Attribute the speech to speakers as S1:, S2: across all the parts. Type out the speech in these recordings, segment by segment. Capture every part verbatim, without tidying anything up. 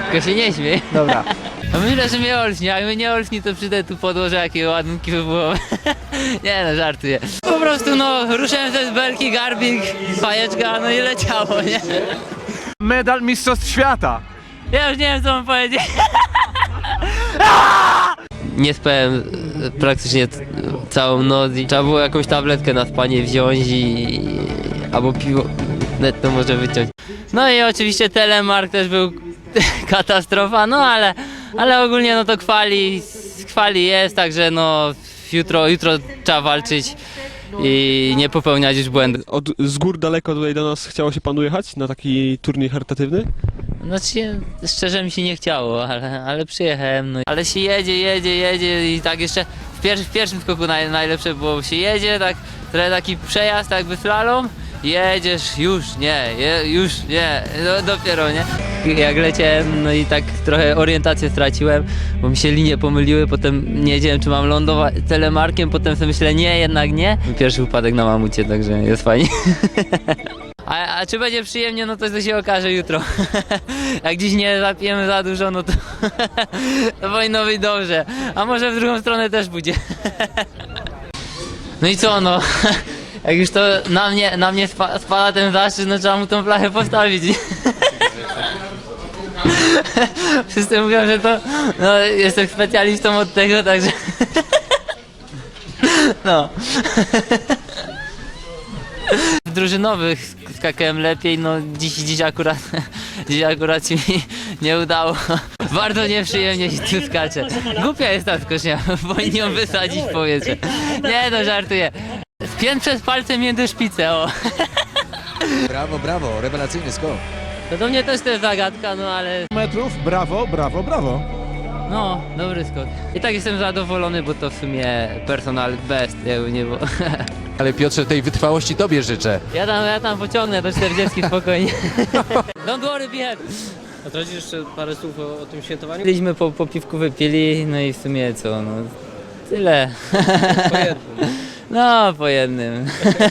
S1: Tylko się nie śmiej.
S2: Dobra.
S1: No myślę, że mnie olśni, a jak mnie nie olśni, to przyjdę tu podłożę jakie ładunki wywołowe. Nie no, żartuję. Po prostu no, ruszyłem ze belki, garbik, fajeczka, no i leciało, nie?
S2: Medal Mistrzostw Świata.
S1: Ja już nie wiem, co mam powiedzieć. Nie spałem praktycznie całą noc i trzeba było jakąś tabletkę na spanie wziąć i... albo piwo netto może wyciąć. No i oczywiście telemark też był katastrofa, no ale, ale ogólnie no to kwali, kwali jest, także no jutro, jutro trzeba walczyć i nie popełniać już błędów.
S3: Od, z gór daleko tutaj do nas chciało się panu jechać na taki turniej charytatywny?
S1: Znaczy, szczerze mi się nie chciało, ale, ale przyjechałem, no. Ale się jedzie, jedzie, jedzie i tak jeszcze w, pier w pierwszym skoku naj najlepsze było, się jedzie, tak trochę taki przejazd jakby slalom, jedziesz, już nie, je, już nie, no, dopiero nie. Jak leciałem, no i tak trochę orientację straciłem, bo mi się linie pomyliły, potem nie wiedziałem, czy mam lądować telemarkiem, potem sobie myślę, nie, jednak nie. Pierwszy upadek na mamucie, także jest fajnie. A, a czy będzie przyjemnie, no to, to się okaże jutro. Jak dziś nie zapijemy za dużo, no to, to powinno być dobrze. A może w drugą stronę też będzie. No i co no, jak już to na mnie, na mnie spa, spada ten zaszczyt, no trzeba mu tą flachę postawić. Wszyscy mówią, że to, no jestem specjalistą od tego, także no. W drużynowych skakałem lepiej, no dziś, dziś akurat, dziś akurat się mi nie udało. Bardzo nieprzyjemnie się tu skacze. Głupia jest ta skocznia, powinni ją wysadzić w powietrze. Nie no, żartuję. Spięt przez palce między szpicę, o.
S4: Brawo, brawo, rewelacyjny skok.
S1: To do mnie też to jest zagadka, no ale...
S2: Metrów, brawo, brawo, brawo.
S1: No, dobry skok. I tak jestem zadowolony, bo to w sumie personal best, jakby nie było.
S4: Ale Piotrze, tej wytrwałości tobie życzę.
S1: Ja tam, ja tam pociągnę do czterdziestki spokojnie. Don't worry, be happy.
S5: A to jeszcze parę słów o, o tym świętowaniu?
S1: Byliśmy po, po piwku wypili, no i w sumie co, no tyle.
S5: Po jednym.
S1: No, po jednym.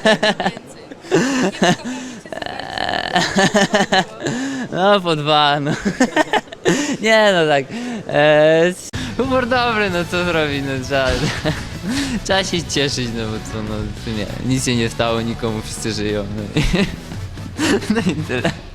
S1: No, po dwa, no. Nie no tak. Eee, humor dobry, no co zrobić, no trzeba, trzeba się cieszyć, no bo co, no w sumie nic się nie stało, nikomu wszyscy żyją. No i, no i tyle.